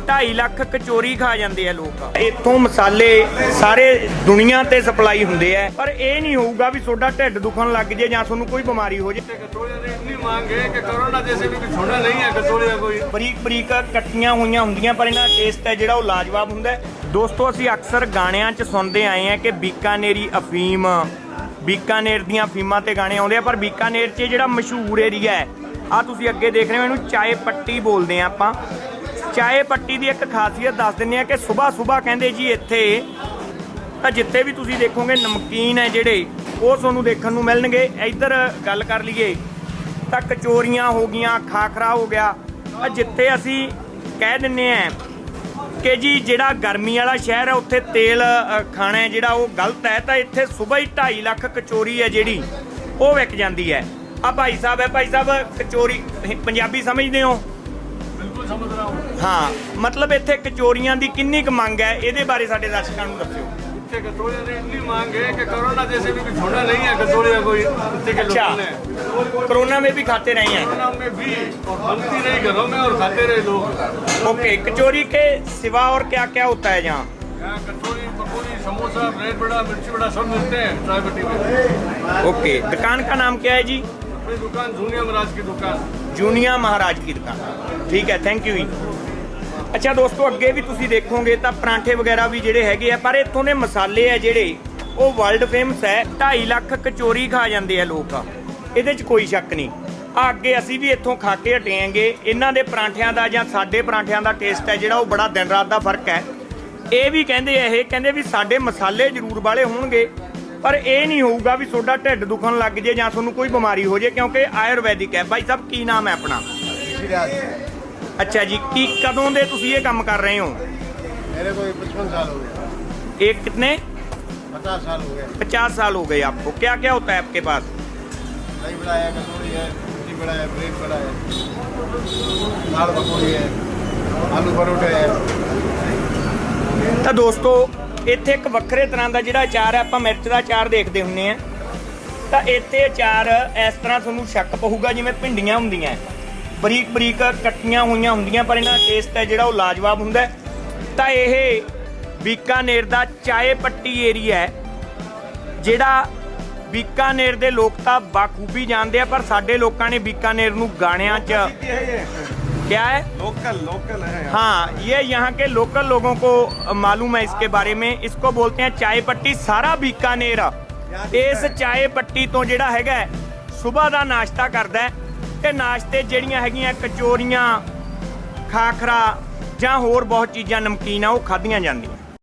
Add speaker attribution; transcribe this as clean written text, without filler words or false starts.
Speaker 1: 2.5 ਲੱਖ ਕਚੋਰੀ ਖਾ ਜਾਂਦੇ ਆ ਲੋਕ। ਇੱਥੋਂ ਮਸਾਲੇ ਸਾਰੇ ਦੁਨੀਆ ਤੇ ਸਪਲਾਈ ਹੁੰਦੇ ਆ, ਪਰ ਇਹ ਨਹੀਂ ਹੋਊਗਾ ਵੀ ਤੁਹਾਡਾ ਢਿੱਡ ਦੁਖਣ ਲੱਗ ਜੇ ਜਾਂ ਤੁਹਾਨੂੰ ਕੋਈ ਬਿਮਾਰੀ ਹੋ ਜੇ। ਬਰੀਕ ਬਰੀਕ ਕੱਟੀਆਂ ਹੋਈਆਂ ਹੁੰਦੀਆਂ, ਪਰ ਇਹਨਾਂ ਦਾ ਟੇਸਟ ਹੈ ਜਿਹੜਾ ਉਹ ਲਾਜਵਾਬ ਹੁੰਦਾ ਹੈ। ਦੋਸਤੋ, ਅਸੀਂ ਅਕਸਰ ਗਾਣਿਆਂ 'ਚ ਸੁਣਦੇ ਆਏ ਆ ਕਿ ਬੀਕਾਨੇਰੀ ਅਫੀਮ, ਬੀਕਾਨੇਰ ਦੀਆਂ ਅਫੀਮਾਂ ਤੇ ਗਾਣੇ ਆਉਂਦੇ ਆ, ਪਰ ਬੀਕਾਨੇਰ 'ਚ ਜਿਹੜਾ ਮਸ਼ਹੂਰ ਏਰੀਆ ਹੈ ਆ ਤੁਸੀਂ ਅੱਗੇ ਦੇਖ ਰਹੇ ਹੋ, ਇਹਨੂੰ ਚਾਏ ਪੱਟੀ ਬੋਲਦੇ ਆ ਆਪਾਂ। ਚਾਏ ਪੱਟੀ ਦੀ ਇੱਕ ਖਾਸੀਅਤ ਦੱਸ ਦਿੰਦੇ ਆ ਕਿ ਸੁਬਾਹ ਕਹਿੰਦੇ ਜੀ ਇੱਥੇ ਤਾਂ ਜਿੱਥੇ ਵੀ ਤੁਸੀਂ ਦੇਖੋਗੇ ਨਮਕੀਨ ਹੈ ਜਿਹੜੇ ਉਹ ਤੁਹਾਨੂੰ ਦੇਖਣ ਨੂੰ ਮਿਲਣਗੇ। ਇੱਧਰ ਗੱਲ ਕਰ ਲਈਏ ਤਾਂ ਕਚੋਰੀਆਂ ਹੋ ਗਈਆਂ, ਖਾਖਰਾ ਹੋ ਗਿਆ। ਜਿੱਥੇ ਅਸੀਂ ਕਹਿ ਦਿੰਦੇ ਆ ਕਿ ਜੀ ਜਿਹੜਾ ਗਰਮੀ ਵਾਲਾ ਸ਼ਹਿਰ ਹੈ ਉੱਥੇ ਤੇਲ ਖਾਣਾ ਹੈ ਜਿਹੜਾ ਉਹ ਗਲਤ ਹੈ, ਤਾਂ ਇੱਥੇ ਸੁਬਾਹ ਹੀ 2.5 ਲੱਖ ਕਚੋਰੀ ਹੈ ਜਿਹੜੀ ਉਹ ਵਿਕ ਜਾਂਦੀ ਹੈ। ਆ ਭਾਈ ਸਾਹਿਬ ਹੈ, ਭਾਈ ਸਾਹਿਬ ਕਚੋਰੀ ਪੰਜਾਬੀ ਸਮਝਦੇ ਹੋ?
Speaker 2: ਬਿਲਕੁਲ ਸਮਝ ਰਹਾ ਹੂੰ।
Speaker 1: ਹਾਂ, ਮਤਲਬ ਇੱਥੇ ਕਚੋਰੀਆਂ ਦੀ ਕਿੰਨੀ ਕੁ ਮੰਗ ਹੈ, ਇਹਦੇ ਬਾਰੇ ਸਾਡੇ ਦਰਸ਼ਕਾਂ ਨੂੰ ਦੱਸਿਓ।
Speaker 2: ਇੱਥੇ ਕਚੋਰੀਆਂ ਦੀ ਇੰਨੀ ਮੰਗ ਹੈ ਕਿ कोरोना जैसे भी छोड़ा नहीं है कचौड़ियाँ कोई इतने के
Speaker 1: अच्छा,
Speaker 2: लोगों ने
Speaker 1: कोरोना में भी खाते रहे हैं?
Speaker 2: कोरोना में भी और बनती रही घरों में और खाते रहे लोग।
Speaker 1: ओके, कचौरी के सिवा और क्या क्या होता है यहाँ?
Speaker 2: यहाँ कचौरी, पकौड़ी, समोसा, ब्रेड बड़ा, मिर्ची बड़ा सब मिलते हैं चाय पट्टी में।
Speaker 1: ओके, दुकान का नाम क्या है जी?
Speaker 2: अपनी दुकान जूनिया महाराज की दुकान।
Speaker 1: जूनिया महाराज की दुकान, ठीक है, थैंक यू जी। ਅੱਛਾ ਦੋਸਤੋ, ਅੱਗੇ ਵੀ ਤੁਸੀਂ ਦੇਖੋਗੇ ਤਾਂ ਪਰਾਂਠੇ ਵਗੈਰਾ ਵੀ ਜਿਹੜੇ ਹੈਗੇ ਆ, ਪਰ ਇੱਥੋਂ ਦੇ ਮਸਾਲੇ ਆ ਜਿਹੜੇ ਉਹ ਵਰਲਡ ਫੇਮਸ ਹੈ। 2.5 ਲੱਖ ਕਚੋਰੀ ਖਾ ਜਾਂਦੇ ਆ ਲੋਕ, ਇਹਦੇ 'ਚ ਕੋਈ ਸ਼ੱਕ ਨਹੀਂ। ਆ ਅੱਗੇ ਅਸੀਂ ਵੀ ਇੱਥੋਂ ਖਾ ਕੇ ਹਟੇ ਆਂਗੇ। ਇਹਨਾਂ ਦੇ ਪਰਾਂਠਿਆਂ ਦਾ ਜਾਂ ਸਾਡੇ ਪਰਾਂਠਿਆਂ ਦਾ ਟੇਸਟ ਹੈ ਜਿਹੜਾ ਉਹ ਬੜਾ ਦਿਨ ਰਾਤ ਦਾ ਫਰਕ ਹੈ। ਇਹ ਵੀ ਕਹਿੰਦੇ ਆ, ਇਹ ਕਹਿੰਦੇ ਵੀ ਸਾਡੇ ਮਸਾਲੇ ਜ਼ਰੂਰ ਵਾਲੇ ਹੋਣਗੇ, ਪਰ ਇਹ ਨਹੀਂ ਹੋਊਗਾ ਵੀ ਤੁਹਾਡਾ ਢਿੱਡ ਦੁਖਣ ਲੱਗ ਜੇ ਜਾਂ ਤੁਹਾਨੂੰ ਕੋਈ ਬਿਮਾਰੀ ਹੋ ਜੇ, ਕਿਉਂਕਿ ਆਯੁਰਵੈਦਿਕ ਹੈ। ਭਾਈ ਸਾਹਿਬ ਕੀ ਨਾਮ ਹੈ ਆਪਣਾ? अच्छा जी, की कदों दे तुसी ये काम कर रहे हो?
Speaker 2: मेरे को 55 साल हो गए।
Speaker 1: एक कितने?
Speaker 2: 50 साल हो गए।
Speaker 1: 50 साल हो गए आपको। क्या क्या होता है आपके पास?
Speaker 2: दही बड़ा है, कचौड़ी है, रोटी बड़ा है, ब्रेड बड़ा है, दाल पकौड़ी है, आलू परोठे है।
Speaker 1: ਤਾਂ ਦੋਸਤੋ, ਇੱਥੇ ਇੱਕ ਵੱਖਰੇ ਤਰ੍ਹਾਂ ਦਾ ਜਿਹੜਾ ਅਚਾਰ ਹੈ, ਆਪਾਂ ਮਿਰਚ ਦਾ ਅਚਾਰ ਦੇਖਦੇ ਹੁੰਦੇ ਆ, ਤਾਂ ਇੱਥੇ ਅਚਾਰ ਇਸ ਤਰ੍ਹਾਂ ਤੁਹਾਨੂੰ ਸ਼ੱਕ ਪਊਗਾ ਜਿਵੇਂ ਭਿੰਡੀਆਂ ਹੁੰਦੀਆਂ, ਬਰੀਕ ਬਰੀਕ ਕੱਟੀਆਂ ਹੋਈਆਂ ਹੁੰਦੀਆਂ, ਪਰ ਇਹਨਾਂ ਦਾ ਟੇਸਟ ਹੈ ਜਿਹੜਾ ਉਹ ਲਾਜਵਾਬ ਹੁੰਦਾ ਹੈ। ਤਾਂ ਇਹ ਬੀਕਾਨੇਰ ਦਾ ਚਾਏ ਪੱਟੀ ਏਰੀਆ ਹੈ, ਜਿਹੜਾ ਬੀਕਾਨੇਰ ਦੇ ਲੋਕ ਤਾਂ ਬਾਖੂਬੀ ਜਾਣਦੇ ਆ, ਪਰ ਸਾਡੇ ਲੋਕਾਂ ਨੇ ਬੀਕਾਨੇਰ ਨੂੰ गाणियाँ क्या है,
Speaker 2: लोकल है।
Speaker 1: हाँ, ये यहाँ के लोकल लोगों को मालूम है इसके बारे में। इसको बोलते हैं चाय पट्टी। सारा बीकानेर इस चाय पट्टी तो ਜਿਹੜਾ ਹੈਗਾ ਸੁਬਾਹ ਦਾ ਨਾਸ਼ਤਾ ਕਰਦਾ ਹੈ, ਤੇ ਨਾਸ਼ਤੇ ਜਿਹੜੀਆਂ ਹੈਗੀਆਂ ਕਚੋਰੀਆਂ, ਖਾਖਰਾ ਜਾਂ ਹੋਰ ਬਹੁਤ ਚੀਜ਼ਾਂ ਨਮਕੀਨ ਆ ਉਹ ਖਾਧੀਆਂ ਜਾਂਦੀਆਂ।